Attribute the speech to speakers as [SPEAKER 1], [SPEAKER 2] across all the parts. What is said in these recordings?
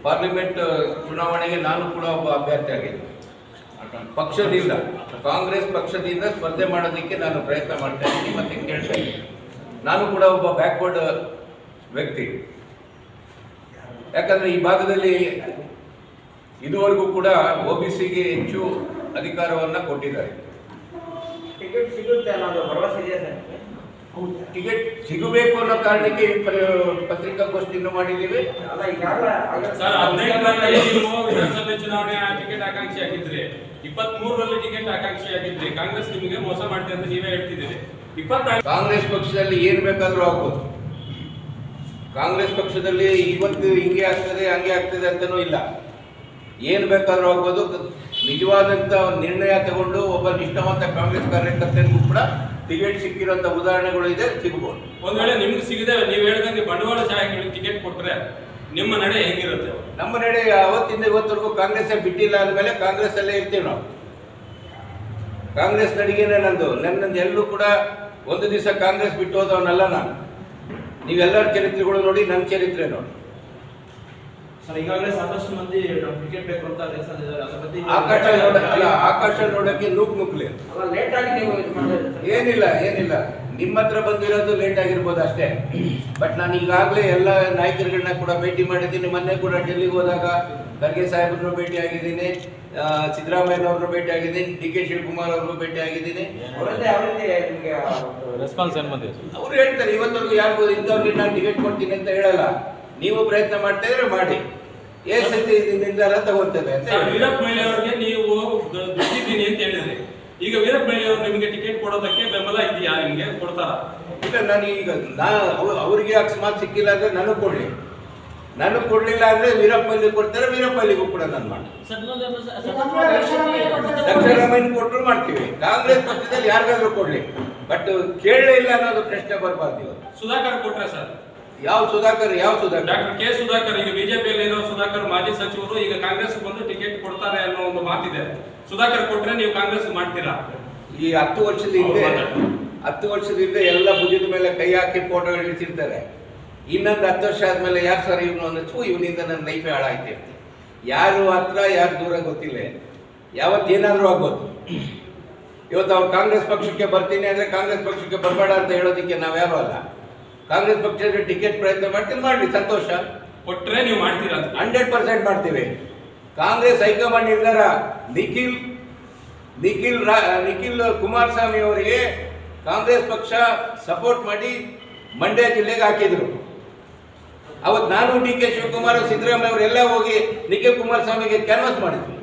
[SPEAKER 1] Parliament ಚುನಾವಣೆಗೆ ನಾನು ಕೂಡ ಒಬ್ಬ ಅಭ್ಯರ್ಥಿ ಆಗಿದ್ದೆ. ಪಕ್ಷದಿಂದ, ಕಾಂಗ್ರೆಸ್ ಪಕ್ಷದಿಂದ ಸ್ಪರ್ಧೆ ಮಾಡೋದಕ್ಕೆ ನಾನು ಪ್ರಯತ್ನ ಮಾಡ್ತಾ ಇದ್ದೀನಿ ಮತ್ತು ಕೇಳ್ತಾ ಇದ್ದೀನಿ. ನಾನು ಕೂಡ ಒಬ್ಬ ಬ್ಯಾಕ್ವರ್ಡ್ ವ್ಯಕ್ತಿ. ಯಾಕಂದರೆ ಈ ಭಾಗದಲ್ಲಿ ಇದುವರೆಗೂ ಕೂಡ OBCಗೆ ಹೆಚ್ಚು ಅಧಿಕಾರವನ್ನು ಕೊಟ್ಟಿದ್ದಾರೆ.
[SPEAKER 2] ಟಿಕೆಟ್ ಸಿಗುತ್ತೆ ಅನ್ನೋದು ಭರವಸೆ ಇದೆ ಸರ್.
[SPEAKER 1] ಟಿಕೆಟ್ ಸಿಗಬೇಕು ಅನ್ನೋ ಕಾರಣಕ್ಕೆ ಈ ಪತ್ರಿಕಾಗೋಷ್ಠಿಯನ್ನು ಮಾಡಿದ್ದೀವಿ.
[SPEAKER 3] ಸರ್, 15ರಲ್ಲಿ ನೀವು ವಿಧಾನಸಭೆ ಚುನಾವಣೆ ಟಿಕೆಟ್ ಆಕಾಂಕ್ಷಿ ಆಗಿದ್ರಿ, 23ರಲ್ಲಿ ಟಿಕೆಟ್ ಆಕಾಂಕ್ಷಿ ಆಗಿದ್ರಿ. ಕಾಂಗ್ರೆಸ್ ನಿಮಗೆ ಮೋಸ ಮಾಡ್ತೀವಿ ಅಂತ ನೀವೇ ಹೇಳ್ತಿದ್ದೀರಿ.
[SPEAKER 1] ಕಾಂಗ್ರೆಸ್ ಪಕ್ಷದಲ್ಲಿ ಏನು ಬೇಕಾದರೂ ಆಗ್ಬೋದು. ಕಾಂಗ್ರೆಸ್ ಪಕ್ಷದಲ್ಲಿ ಇವತ್ತು ಹಿಂಗೆ ಆಗ್ತದೆ ಹಂಗೆ ಆಗ್ತದೆ ಅಂತನೂ ಇಲ್ಲ. ಏನು ಬೇಕಾದರೂ ಆಗ್ಬೋದು. ನಿಜವಾದಂಥ ನಿರ್ಣಯ ತಗೊಂಡು ಒಬ್ಬ ನಿಷ್ಠಾವಂತ ಕಾಂಗ್ರೆಸ್ ಕಾರ್ಯಕರ್ತನಿಗೂ ಕೂಡ ಟಿಕೆಟ್ ಸಿಕ್ಕಿರೋಂಥ ಉದಾಹರಣೆಗಳು ಇದೆ, ಸಿಗಬಹುದು.
[SPEAKER 3] ಒಂದ್ ವೇಳೆ ನಿಮ್ಗೆ ಸಿಗದೆ ನೀವು ಹೇಳಿದಂಗೆ ಬಂಡವಾಳಶಾಹಿಗಳಿಗೆ ಟಿಕೆಟ್ ಕೊಟ್ರೆ ನಿಮ್ಮ ನಡೆ ಹೇಗಿರುತ್ತೆ?
[SPEAKER 1] ನಮ್ಮ ನಡೆ ಅವತ್ತಿಂದ ಇವತ್ತರೆಗೂ ಕಾಂಗ್ರೆಸ್ ಬಿಟ್ಟಿಲ್ಲ ಅಂದಮೇಲೆ ಕಾಂಗ್ರೆಸ್ ಅಲ್ಲೇ ಇರ್ತೀವಿ ನಾವು. ಕಾಂಗ್ರೆಸ್ ನಡಿಗೆನೇ ನನ್ನದು ಎಲ್ಲರೂ ಕೂಡ ಒಂದು ದಿವಸ ಕಾಂಗ್ರೆಸ್ ಬಿಟ್ಟು ಹೋದವನಲ್ಲ ನಾನು. ನೀವೆಲ್ಲರ ಚರಿತ್ರೆಗಳು ನೋಡಿ, ನನ್ನ ಚರಿತ್ರೆ ನೋಡಿ.
[SPEAKER 2] ಸರ್, ಈಗಾಗಲೇ ಸಾಕಷ್ಟು ಮಂದಿ ಟಿಕೆಟ್ ಬೇಕು ಅಂತ
[SPEAKER 1] ಆಕಾಶ ನೋಡಕ್ಕೆ ನುಗ್ಲಿ.
[SPEAKER 2] ಲೇಟ್ ಆಗಿ ನೀವು ಇದು ಮಾಡಿದ್ರೆ
[SPEAKER 1] ಏನಿಲ್ಲ ನಿಮ್ಮ ಹತ್ರ ಬಂದಿರೋದು ಲೇಟ್ ಆಗಿರ್ಬೋದು ಅಷ್ಟೇ. ಬಟ್ ನಾನು ಈಗಾಗಲೇ ಎಲ್ಲ ನಾಯಕರುಗಳನ್ನ ಕೂಡ ಭೇಟಿ ಮಾಡಿದ್ದೀನಿ. ಮೊನ್ನೆ ಕೂಡ ಡೆಲ್ಲಿಗೆ ಹೋದಾಗ ಖರ್ಗೆ ಸಾಹೇಬ್ರನ್ನು ಭೇಟಿ ಆಗಿದ್ದೀನಿ, ಸಿದ್ದರಾಮಯ್ಯನವ್ರನ್ನು ಭೇಟಿ ಆಗಿದ್ದೀನಿ, DK ಶಿವಕುಮಾರ್ ಅವ್ರಿಗೂ ಭೇಟಿ ಆಗಿದ್ದೀನಿ.
[SPEAKER 4] ರೆಸ್ಪಾನ್ಸ್ ಏನು ಬಂದಿದೆ?
[SPEAKER 1] ಅವ್ರು ಹೇಳ್ತಾರೆ ಇವತ್ತವರೆಗೂ ಯಾರಿಗೂ ಇಂಥವ್ರಿಗೆ ನಾನು ಟಿಕೆಟ್ ಕೊಡ್ತೀನಿ ಅಂತ ಹೇಳಲ್ಲ. ನೀವು ಪ್ರಯತ್ನ ಮಾಡ್ತಾ ಇದ್ರೆ ಮಾಡಿ, ಸತಿ ನಿರ್ಧಾರ ತಗೊಳ್ತೇವೆ ಅಂತ.
[SPEAKER 3] ವೀರಪ್ಪ ಮೊಯ್ಲಿ ಅವರಿಗೆ ನೀವು ದುಡ್ಡಿದ್ದೀನಿ ಅಂತ ಹೇಳಿದ್ರಿ. ಈಗ ವೀರಪ್ಪ ಮೊಯ್ಲಿ ಅವರು ನಿಮಗೆ ಟಿಕೆಟ್ ಕೊಡೋದಕ್ಕೆ ಬೆಂಬಲ ಇದೆಯಾ? ನಿಮಗೆ ಕೊಡ್ತಾರ?
[SPEAKER 1] ಇಲ್ಲ, ಅವರಿಗೆ ಅಕಸ್ಮಾತ್ ಸಿಕ್ಕಿಲ್ಲ ಅಂದ್ರೆ ನನಗೆ ಕೊಡ್ಲಿಲ್ಲ ಅಂದ್ರೆ ವೀರಪ್ಪ ಮೊಯ್ಲಿ ಕೊಡ್ತಾರೆ, ವೀರಪ್ಪ ಮೊಯ್ಲಿಗೂ ಕೂಡ ನಾನು ಮಾಡ್ತೀನಿ. ಸಿದ್ದರಾಮಯ್ಯ ಕೊಟ್ಟರು ಮಾಡ್ತೀವಿ. ಕಾಂಗ್ರೆಸ್ ಪಕ್ಷದಲ್ಲಿ ಯಾರಿಗಾದ್ರೂ ಕೊಡ್ಲಿ, ಬಟ್ ಕೇಳಲೇ ಇಲ್ಲ ಅನ್ನೋದು ಪ್ರಶ್ನೆ ಬರಬಾರ್ದು.
[SPEAKER 3] ಸುಧಾಕರ್ ಕೊಟ್ರೆ ಸರ್?
[SPEAKER 1] ಯಾವ ಸುಧಾಕರ್?
[SPEAKER 3] Doctor K Sudhakar. ಈಗ ಬಿಜೆಪಿಯಲ್ಲಿ ಇರೋ ಸುಧಾಕರ್ ಮಾಜಿ ಸಚಿವರು ಈಗ ಕಾಂಗ್ರೆಸ್ ಬಂದು ಟಿಕೆಟ್ ಕೊಡ್ತಾರೆ ಅನ್ನೋ ಒಂದು ಮಾತಿದೆ. ಸುಧಾಕರ್ ಕೊಟ್ರೆ ನೀವು ಕಾಂಗ್ರೆಸ್ ಮಾಡ್ತೀರಾ?
[SPEAKER 1] ಈ 10 ವರ್ಷದ ಹಿಂದೆ ಎಲ್ಲ ಭುಜದ ಮೇಲೆ ಕೈ ಹಾಕಿ ಫೋಟೋಗಳು ಇಡ್ತಿರ್ತಾರೆ. ಇನ್ನೊಂದು 10 ವರ್ಷ ಆದ್ಮೇಲೆ ಯಾರು ಸರ್ ಇವನು ಅನ್ನಿಸ್ತು, ಇವನಿಂದ ನನ್ನ ಲೈಫೇ ಹಾಳಾಯ್ತು. ಯಾರು ಹತ್ರ ಯಾರು ದೂರ ಗೊತ್ತಿಲ್ಲ. ಯಾವತ್ತೇನಾದ್ರೂ ಆಗ್ಬೋದು. ಇವತ್ತು ಅವ್ರು ಕಾಂಗ್ರೆಸ್ ಪಕ್ಷಕ್ಕೆ ಬರ್ತೀನಿ ಅಂದ್ರೆ ಕಾಂಗ್ರೆಸ್ ಪಕ್ಷಕ್ಕೆ ಬರಬೇಡ ಅಂತ ಹೇಳೋದಕ್ಕೆ ನಾವ್ಯಾರು ಅಲ್ಲ. ಕಾಂಗ್ರೆಸ್ ಪಕ್ಷದ ಟಿಕೆಟ್ ಪ್ರಯತ್ನ ಮಾಡ್ತೀನಿ, ಮಾಡಲಿ, ಸಂತೋಷ.
[SPEAKER 3] ಕೊಟ್ರೆ ನೀವು ಮಾಡ್ತೀರಾ?
[SPEAKER 1] 100% ಮಾಡ್ತೀವಿ. ಕಾಂಗ್ರೆಸ್ ಹೈಕಮಾಂಡ್ ನಿರ್ಧಾರ. ನಿಖಿಲ್ ಕುಮಾರಸ್ವಾಮಿ ಅವರಿಗೆ ಕಾಂಗ್ರೆಸ್ ಪಕ್ಷ ಸಪೋರ್ಟ್ ಮಾಡಿ ಮಂಡ್ಯ ಜಿಲ್ಲೆಗೆ ಹಾಕಿದ್ರು. ಅವತ್ತು ನಾನು DK ಶಿವಕುಮಾರ್, ಸಿದ್ದರಾಮಯ್ಯ ಅವರೆಲ್ಲ ಹೋಗಿ ನಿಖಿಲ್ ಕುಮಾರಸ್ವಾಮಿಗೆ ಕ್ಯಾನ್ವಾಸ್ ಮಾಡಿದ್ರು.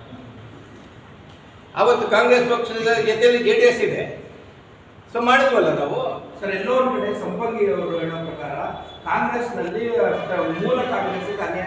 [SPEAKER 1] ಅವತ್ತು ಕಾಂಗ್ರೆಸ್ ಪಕ್ಷದ ಜೊತೆಯಲ್ಲಿ JDS ಇದೆ. ಸೊ ಮಾಡಿದ್ವಲ್ಲ ನಾವು.
[SPEAKER 5] ಸರ್, ಎಲ್ಲೋ ಒಂದು ಕಡೆ ಸಂಪಂಗಿ ಅವರು ಹೇಳೋ ಪ್ರಕಾರ ಕಾಂಗ್ರೆಸ್ನಲ್ಲಿ ಮೂಲ ಕಾಂಗ್ರೆಸ್